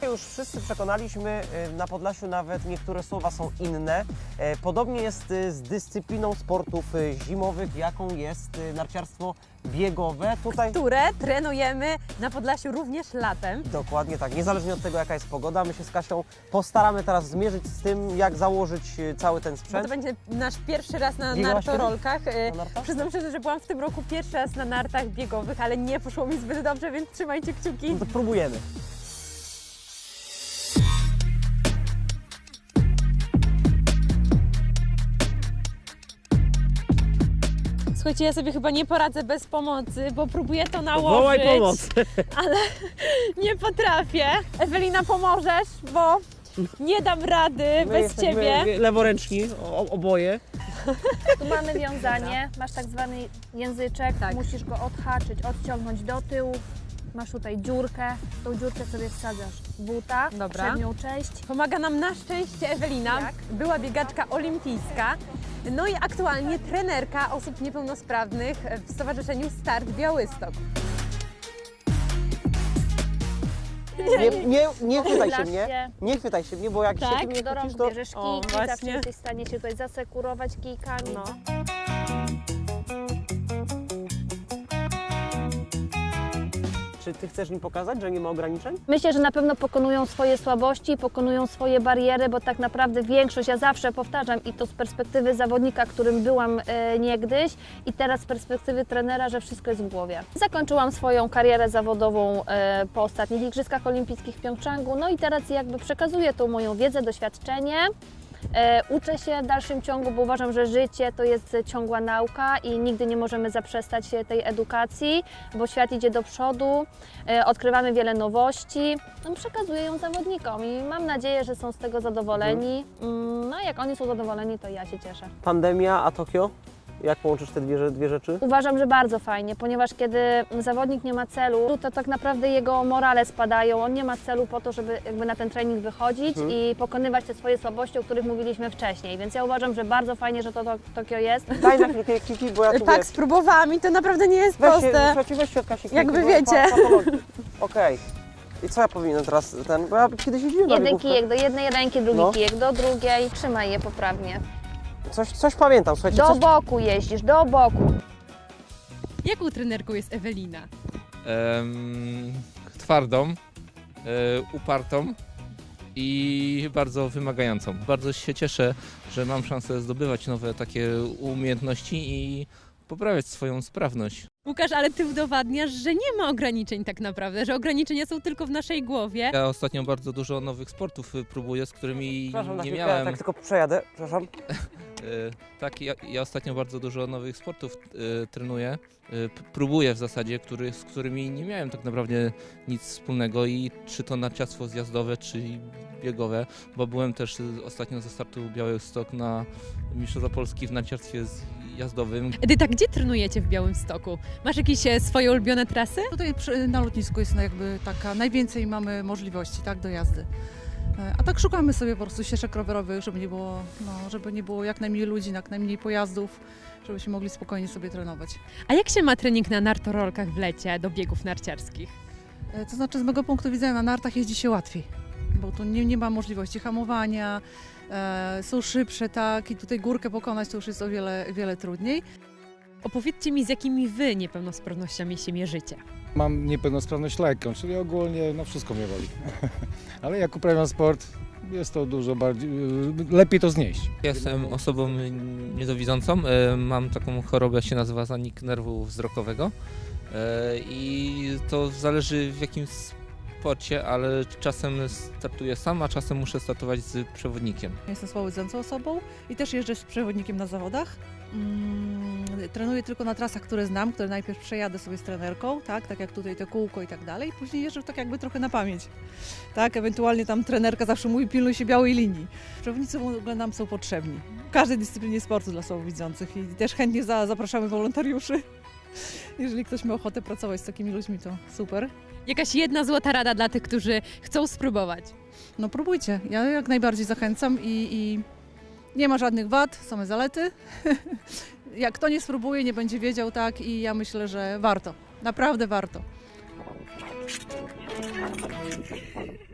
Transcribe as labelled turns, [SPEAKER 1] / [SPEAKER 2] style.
[SPEAKER 1] już wszyscy przekonaliśmy, na Podlasiu nawet niektóre słowa są inne. Podobnie jest z dyscypliną sportów zimowych, jaką jest narciarstwo biegowe.
[SPEAKER 2] Które trenujemy na Podlasiu również latem.
[SPEAKER 1] Dokładnie tak, niezależnie od tego, jaka jest pogoda. My się z Kasią postaramy teraz zmierzyć z tym, jak założyć cały ten
[SPEAKER 2] Bo
[SPEAKER 1] sprzęt.
[SPEAKER 2] to będzie nasz pierwszy raz na
[SPEAKER 1] Biegałaś
[SPEAKER 2] nartorolkach.
[SPEAKER 1] Na nartach?
[SPEAKER 2] Przyznam szczerze, że byłam w tym roku pierwszy raz na nartach biegowych, ale nie poszło mi zbyt dobrze, więc trzymajcie kciuki.
[SPEAKER 1] No to próbujemy.
[SPEAKER 2] Słuchajcie, ja sobie chyba nie poradzę bez pomocy, bo próbuję to nałożyć.
[SPEAKER 1] Wołaj pomoc!
[SPEAKER 2] Ale nie potrafię. Ewelina, pomożesz, bo nie dam rady bez Ciebie.
[SPEAKER 1] Leworęczni, oboje.
[SPEAKER 3] Tu mamy wiązanie, masz tak zwany języczek,
[SPEAKER 2] Tak.
[SPEAKER 3] musisz go odhaczyć, odciągnąć do tyłu. Masz tutaj dziurkę, tą dziurkę sobie wsadzasz w buta,
[SPEAKER 2] Dobra.
[SPEAKER 3] przednią część.
[SPEAKER 2] Pomaga nam na szczęście Ewelina,
[SPEAKER 3] Jak?
[SPEAKER 2] była biegaczka olimpijska, no i aktualnie trenerka osób niepełnosprawnych w Stowarzyszeniu Start Białystok.
[SPEAKER 1] Nie chwytaj się
[SPEAKER 3] Pochylasz
[SPEAKER 1] mnie,
[SPEAKER 3] się.
[SPEAKER 1] nie chwytaj się mnie, bo jak
[SPEAKER 2] Tak?
[SPEAKER 1] się ty mnie
[SPEAKER 3] Do rąk
[SPEAKER 1] chwycisz, to...
[SPEAKER 3] bierzesz
[SPEAKER 2] O,
[SPEAKER 3] kijki, zawsze
[SPEAKER 2] właśnie.
[SPEAKER 3] jesteś w stanie się tutaj zasekurować kijkami.
[SPEAKER 2] No.
[SPEAKER 1] Czy ty chcesz mi pokazać, że nie ma ograniczeń?
[SPEAKER 3] Myślę, że na pewno pokonują swoje słabości, pokonują swoje bariery, bo tak naprawdę większość, ja zawsze powtarzam i to z perspektywy zawodnika, którym byłam niegdyś i teraz z perspektywy trenera, że wszystko jest w głowie. Zakończyłam swoją karierę zawodową po ostatnich Igrzyskach Olimpijskich w Pjongczangu, no i teraz jakby przekazuję tą moją wiedzę, doświadczenie. Uczę się w dalszym ciągu, bo uważam, że życie to jest ciągła nauka i nigdy nie możemy zaprzestać tej edukacji, bo świat idzie do przodu, odkrywamy wiele nowości. No, przekazuję ją zawodnikom i mam nadzieję, że są z tego zadowoleni. No jak oni są zadowoleni, to ja się cieszę.
[SPEAKER 1] Pandemia, a Tokio? Jak połączysz te dwie rzeczy?
[SPEAKER 3] Uważam, że bardzo fajnie, ponieważ kiedy zawodnik nie ma celu, to tak naprawdę jego morale spadają. On nie ma celu po to, żeby jakby na ten trening wychodzić i pokonywać te swoje słabości, o których mówiliśmy wcześniej. Więc ja uważam, że bardzo fajnie, że to Tokio jest.
[SPEAKER 1] Daj na chwilkę kiki, bo ja tu
[SPEAKER 2] Tak, spróbowałam i to naprawdę nie jest proste.
[SPEAKER 1] Weź się od Kasi
[SPEAKER 2] Jak wy
[SPEAKER 1] bo
[SPEAKER 2] wiecie.
[SPEAKER 1] Okej. I co ja powinienem teraz bo ja kiedyś jeździłem na
[SPEAKER 3] Jeden
[SPEAKER 1] biegówkę.
[SPEAKER 3] kijek do jednej ręki, drugi
[SPEAKER 1] No.
[SPEAKER 3] kijek do drugiej. Trzymaj je poprawnie.
[SPEAKER 1] Coś pamiętam, słuchajcie.
[SPEAKER 3] Do
[SPEAKER 1] Coś...
[SPEAKER 3] boku jeździsz, do boku.
[SPEAKER 2] Jaką trenerką jest Ewelina?
[SPEAKER 4] Twardą, upartą i bardzo wymagającą. Bardzo się cieszę, że mam szansę zdobywać nowe takie umiejętności i poprawiać swoją sprawność.
[SPEAKER 2] Łukasz, ale Ty udowadniasz, że nie ma ograniczeń tak naprawdę, że ograniczenia są tylko w naszej głowie.
[SPEAKER 4] Ja ostatnio bardzo dużo nowych sportów próbuję, z którymi
[SPEAKER 1] Przepraszam, na
[SPEAKER 4] nie
[SPEAKER 1] chwilkę,
[SPEAKER 4] miałem.
[SPEAKER 1] tak tylko przejadę, przepraszam.
[SPEAKER 4] Tak, ja ostatnio bardzo dużo nowych sportów trenuję, próbuję w zasadzie, z którymi nie miałem tak naprawdę nic wspólnego i czy to narciarstwo zjazdowe, czy biegowe, bo byłem też ostatnio ze startu Białystok na Mistrzostwa Polski w narciarstwie zjazdowym.
[SPEAKER 2] Edyta, gdzie trenujecie w Białymstoku? Masz jakieś swoje ulubione trasy?
[SPEAKER 5] Tutaj na lotnisku jest jakby taka, najwięcej mamy możliwości, tak, do jazdy. A tak szukamy sobie po prostu ścieżek rowerowych, żeby nie było jak najmniej ludzi, jak najmniej pojazdów, żebyśmy mogli spokojnie sobie trenować.
[SPEAKER 2] A jak się ma trening na nartorolkach w lecie do biegów narciarskich?
[SPEAKER 5] To znaczy z mojego punktu widzenia na nartach jeździ się łatwiej, bo tu nie ma możliwości hamowania, są szybsze, tak, i tutaj górkę pokonać to już jest o wiele trudniej.
[SPEAKER 2] Opowiedzcie mi, z jakimi Wy niepełnosprawnościami się mierzycie.
[SPEAKER 6] Mam niepełnosprawność lekką, czyli ogólnie wszystko mnie boli. Ale jak uprawiam sport, jest to dużo bardziej, lepiej to znieść.
[SPEAKER 4] Jestem osobą niedowidzącą, mam taką chorobę, jak się nazywa zanik nerwu wzrokowego i to zależy w jakim sporcie, ale czasem startuję sam, a czasem muszę startować z przewodnikiem.
[SPEAKER 5] Jestem słabowidzącą osobą i też jeżdżę z przewodnikiem na zawodach. Trenuję tylko na trasach, które znam, które najpierw przejadę sobie z trenerką, tak jak tutaj te kółko i tak dalej, później jeżdżę tak jakby trochę na pamięć, tak, ewentualnie tam trenerka zawsze mówi, pilnuj się białej linii. Przewodnicy w ogóle nam są potrzebni, w każdej dyscyplinie sportu dla słabowidzących i też chętnie zapraszamy wolontariuszy. Jeżeli ktoś ma ochotę pracować z takimi ludźmi, to super.
[SPEAKER 2] Jakaś jedna złota rada dla tych, którzy chcą spróbować?
[SPEAKER 5] No próbujcie, ja jak najbardziej zachęcam i nie ma żadnych wad, same zalety. Jak kto nie spróbuje, nie będzie wiedział, tak, i ja myślę, że warto, naprawdę warto.